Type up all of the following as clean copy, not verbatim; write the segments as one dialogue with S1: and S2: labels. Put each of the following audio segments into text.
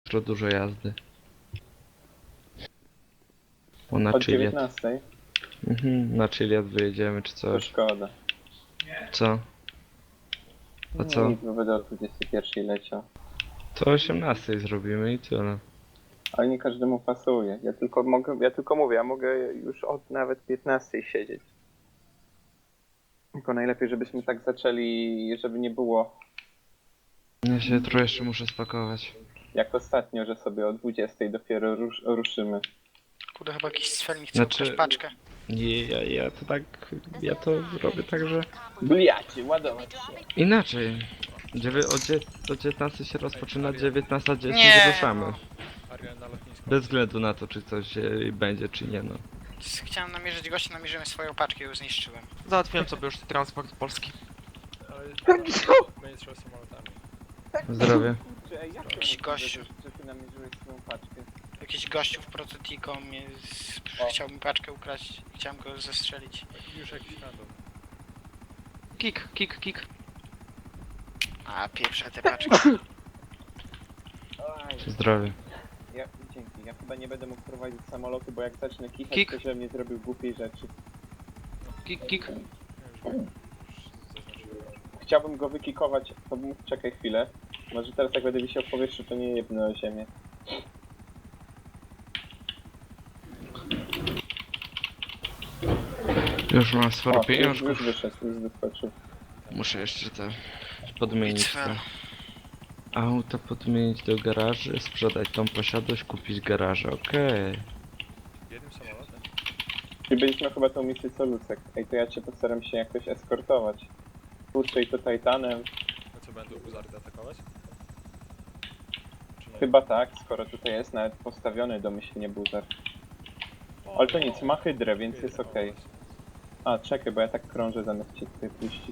S1: Jutro dużo jazdy. O, na
S2: Od
S1: Chiliad.
S2: 19.
S1: Na Chiliad wyjedziemy czy
S2: To
S1: coś.
S2: szkoda.
S1: Co? A co?
S2: Nic, bo będę o 21 leciał.
S1: To o 18 zrobimy i tyle.
S2: Ale nie każdemu pasuje. Ja tylko mówię, ja mogę już od nawet 15 siedzieć. Tylko najlepiej, żebyśmy tak zaczęli, żeby nie było
S1: Ja się jutro jeszcze muszę spakować.
S2: jak ostatnio, że sobie o 20 dopiero ruszymy.
S3: Kurde, chyba jakiś sfelnik chce
S1: Znaczy-
S3: ukraść paczkę.
S1: Nie, ja to tak... Ja to robię tak, że...
S2: Bliacie, ładować się.
S1: Inaczej. O 19 się rozpoczyna, 19:10
S3: Nie.
S1: ruszamy.
S4: Ariel na lotnisku.
S1: Bez względu na to, czy coś będzie, czy nie, no.
S3: Chciałem namierzyć gościa, namierzyłem swoją paczkę i ją zniszczyłem.
S5: Załatwiłem sobie już transport polski.
S4: Ale będzie trzeba samolotami.
S1: Zdrowie.
S2: Kurczę, ej, jak to
S3: Jakiś
S2: możliwe,
S3: gościu.
S2: że ty namierzyłeś swoją paczkę?
S3: Jakiś gościu w prototiką chciał mi paczkę ukraść. Chciałem go zestrzelić.
S4: Już jakiś random.
S5: Kik.
S3: A, pieprze te paczki.
S2: Oj,
S1: Zdrowie.
S2: dzięki. Ja chyba nie będę mógł prowadzić samolotu, bo jak zacznę kichać,
S5: Kik.
S2: to że mnie zrobił głupiej rzeczy.
S5: Kik.
S4: Ja już zaznaczyłem.
S2: Chciałbym go wykikować, to bym... Czekaj chwilę. Może teraz jak będę wisiał w powietrzu, to nie jebnę o ziemię.
S1: Już mam sporo
S2: O, już
S1: pieniążków.
S2: wyszedł, już wyskoczył.
S1: Muszę jeszcze te podmienić
S3: Bitwę.
S1: te auta, podmienić do garaży, sprzedać tą posiadłość, kupić garaże, okej.
S4: Jednym samolotem?
S2: Czyli byliśmy chyba tą misję co Lucek. Ej, to ja cię postaram się jakoś eskortować. Kurczę, i to Titanem.
S4: A co, będą Buzardy atakować? Czy nie?
S2: Chyba tak, skoro tutaj jest nawet postawiony domyślnie buzar. Ale to nic, ma hydrę, więc jest okej. A, czekaj, bo ja tak krążę zamiast cię tutaj puścić.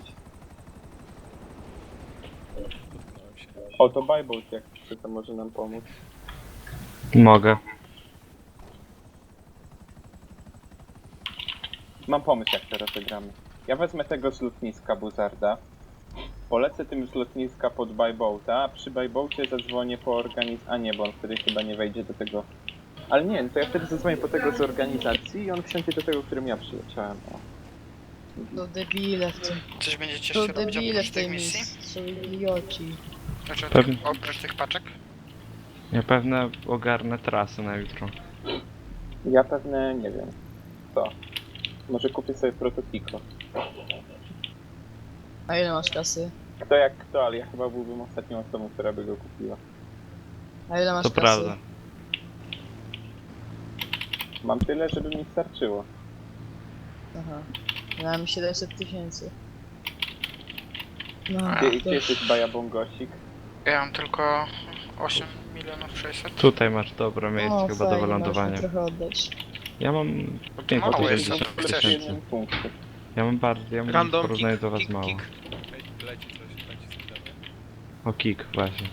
S4: Dotknąłem się.
S2: O, to Buyboat, jak chce, to może nam pomóc.
S1: Mogę.
S2: Mam pomysł, jak teraz zagramy. Ja wezmę tego z lotniska Buzarda. Polecę tym z lotniska pod Buyboata, a przy Buyboacie zadzwonię po A nie, bo on wtedy chyba nie wejdzie do tego... Ale nie, no to ja wtedy zadzwonię po tego z organizacji i on wsiądzie do tego, którym ja przyleciałem. O.
S6: To debile w tym.
S3: Coś będziecie
S6: To
S3: jeszcze robić
S6: debile
S3: oprócz
S6: w
S3: tej
S6: tej
S3: misji?
S6: misji. Są idioci.
S3: Znaczy
S1: Pewnie.
S3: oprócz tych paczek?
S1: Ja pewnie ogarnę trasę na jutro.
S2: Ja pewnie nie wiem. Co? Może kupię sobie prototipo.
S6: A ile masz kasy?
S2: Kto jak kto, ale ja chyba byłbym ostatnią osobą, która by go kupiła.
S6: A ile masz
S1: To
S6: kasy?
S1: prawda.
S2: Mam tyle, żeby mi starczyło.
S6: Aha. Ja mam 700 000. No,
S3: A,
S2: Gdzie
S6: to...
S2: jesteś, Bajabongosik?
S3: Ja mam tylko 8 milionów 600.
S1: Tutaj masz dobre miejsce
S6: O,
S1: chyba do
S6: fajnie,
S1: wylądowania.
S6: możesz mi trochę oddać.
S1: Ja mam
S3: mało
S1: 560
S3: jest,
S2: Plus
S3: chcesz?
S2: 1 punkt.
S1: Ja mam bardzo, ja mam w
S5: Random,
S1: porównaniu do was
S5: kik.
S1: mało.
S4: Leci systemie.
S1: O kick, właśnie.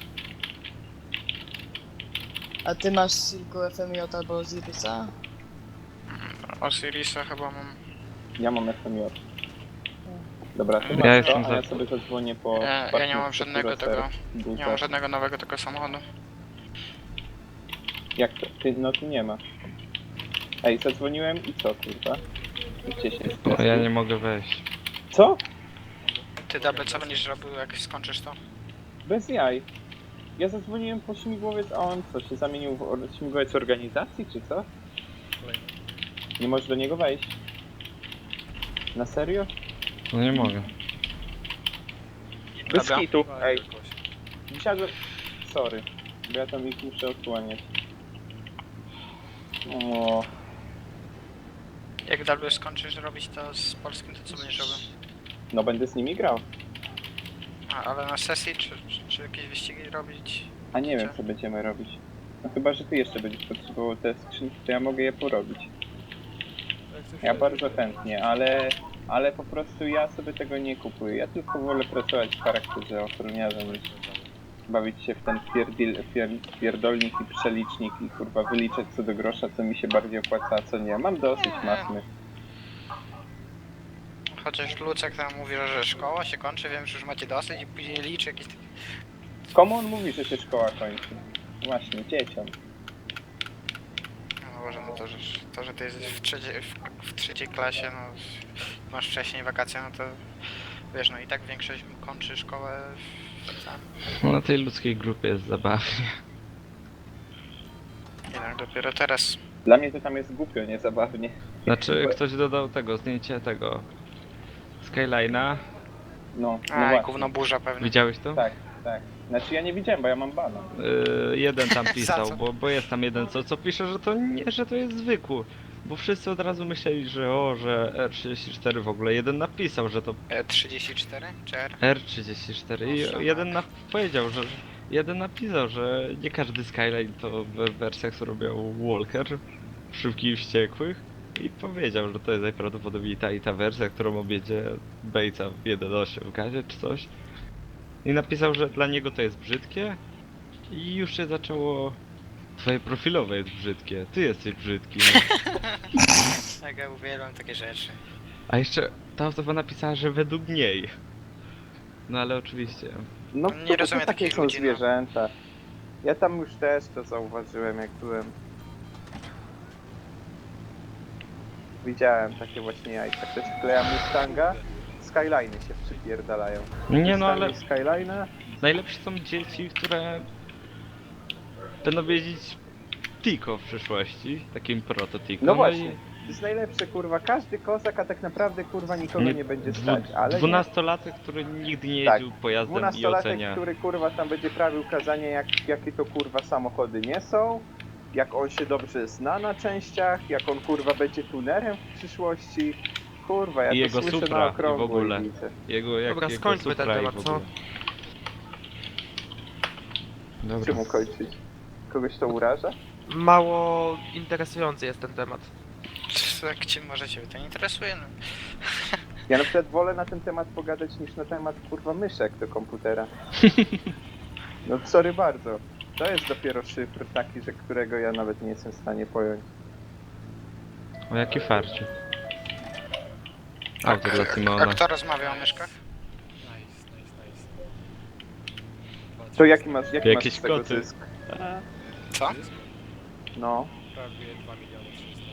S6: A ty masz tylko FMJ albo Zirica?
S3: Osirisa chyba mam.
S2: Ja mam FMJ. Dobra, to
S3: Ja
S2: masz
S1: jestem
S2: to, a ja
S1: za-
S2: sobie zadzwonię po...
S3: Ja nie
S2: partnerstwo
S3: mam żadnego
S2: Kuroser,
S3: tego.
S2: Buzar.
S3: Nie mam żadnego nowego tego samochodu.
S2: Jak to? Ty, no tu nie ma. Ej, zadzwoniłem i co, kurwa? Gdzie się
S1: No, ja nie mogę wejść.
S2: Co?
S3: Ty Double, co będziesz robił jak skończysz to?
S2: Bez jaj. Ja zadzwoniłem po śmigłowiec, a on co, się zamienił w śmigłowiec organizacji, czy co?
S4: Kolejny.
S2: Nie możesz do niego wejść? Na serio?
S1: No nie mogę.
S2: Bez
S3: Dobra.
S2: kitu. Ej,
S4: Jakoś.
S2: wsiadłem... Sorry, bo ja tam ich muszę odsłaniać. O,
S3: Jak Double skończysz robić to z polskim, to co będziesz robił?
S2: no będę z nimi grał.
S3: Ale na sesji czy jakieś wyścigi robić?
S2: A nie wiem, co będziemy robić. No chyba, że ty jeszcze będziesz potrzebował te skrzynki, to ja mogę je porobić.
S4: Jak coś
S2: Ja
S4: się-
S2: bardzo chętnie, ale po prostu ja sobie tego nie kupuję. Ja tylko wolę pracować w charakterze ochroniarza niż bawić się w ten pierdolnik i przelicznik i kurwa wyliczać co do grosza, co mi się bardziej opłaca, a co nie. Mam dosyć masny.
S3: Chociaż Lucek tam mówi, że szkoła się kończy, wiem, że już macie dosyć i później liczy jakieś...
S2: Komu on mówi, że się szkoła kończy? Właśnie, dzieciom.
S3: No Boże, no to, że ty jesteś w trzeciej klasie, no masz wcześniej wakacje, no to wiesz, no i tak większość kończy szkołę sam.
S1: No, na tej ludzkiej grupie jest zabawnie.
S3: Jednak dopiero teraz.
S2: Dla mnie to tam jest głupio, niezabawnie.
S1: Znaczy,
S2: Bo-
S1: ktoś dodał tego, zdjęcie tego Skyline'a.
S2: No, no
S3: A, i
S2: właśnie.
S3: gówno burza pewnie.
S1: Widziałeś to?
S2: Tak, tak. Znaczy ja nie widziałem, bo ja mam bana.
S1: Jeden tam
S3: Za
S1: pisał,
S3: co?
S1: bo jest tam jeden, co pisze, że to nie, że to jest zwykły. Bo wszyscy od razu myśleli, że R34 w ogóle. Jeden napisał, że to
S3: 34 czy R?
S1: R34
S3: Proszę,
S1: i jeden
S3: tak.
S1: powiedział, że jeden napisał, że nie każdy Skyline to w wersjach, co robił Walker, Szybkich i Wściekłych. I powiedział, że to jest najprawdopodobniej ta i ta wersja, którą objedzie Batesa w 1.8 w gazie czy coś. I napisał, że dla niego to jest brzydkie. I już się zaczęło... Twoje profilowe jest brzydkie, ty jesteś brzydki.
S3: Tak, ja uwielbiam takie rzeczy.
S1: A jeszcze ta osoba napisała, że według niej. No ale oczywiście.
S2: No
S3: Nie
S2: to
S3: rozumiem
S2: takie
S3: takich
S2: są
S3: ludzi, no.
S2: zwierzęta. Ja tam już też to zauważyłem, jak byłem. Widziałem takie właśnie jajka. Ktoś wkleja Mustanga, Skyline'y się przypierdalają.
S1: Nie no, ale
S2: Wystawił Skyline'a,
S1: najlepsze są dzieci, które będą jeździć Tico w przyszłości, takim prototipo.
S2: no właśnie. To jest najlepsze, kurwa. Każdy kozak, a tak naprawdę, kurwa, nikogo nie będzie stać. Ale nie.
S1: 12-latek, który nigdy nie
S2: Tak.
S1: jeździł pojazdem i
S2: 12-latek,
S1: ocenia.
S2: który kurwa tam będzie prawił kazanie, jakie to kurwa samochody nie są, jak on się dobrze zna na częściach, jak on kurwa będzie tunerem w przyszłości. Kurwa, ja
S1: I
S2: to
S1: jego
S2: słyszę
S1: Supra
S2: na
S1: i w
S2: okrągło
S1: ogóle.
S2: i widzę.
S5: Dobra,
S1: Jego
S5: skończmy ten
S1: Supra i
S5: temat,
S1: w
S5: co?
S1: ogóle. Dobra.
S2: Czemu kończyć? Kogoś to uraża?
S5: Mało interesujący jest ten temat.
S3: Jak cię może ciebie to nie interesuje, no.
S2: Ja na przykład wolę na ten temat pogadać niż na temat kurwa myszek do komputera. No sorry bardzo. To jest dopiero szyfr taki, że którego ja nawet nie jestem w stanie pojąć.
S1: O jaki farci. Auto dla
S3: A
S1: Simona.
S3: kto rozmawia o myszkach?
S4: Nice.
S2: To jaki masz
S1: Jakieś
S2: z tego
S1: koty.
S2: zysk?
S3: Co?
S2: No.
S4: Prawie 2 miliony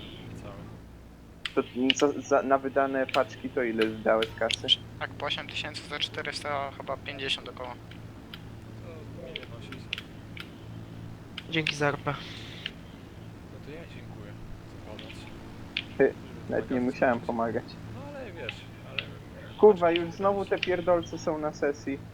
S4: 300
S2: To
S4: całe.
S2: na wydane paczki to ile dałeś kasy?
S3: Tak, po 8000 za 400 chyba 50 około.
S4: To nie nosić.
S5: Dzięki za RP.
S4: No to ja dziękuję za pomoc.
S2: Ty, Nawet nie musiałem pomagać.
S4: No ale wiesz, ale...
S2: Kurwa, już znowu te pierdolce są na sesji.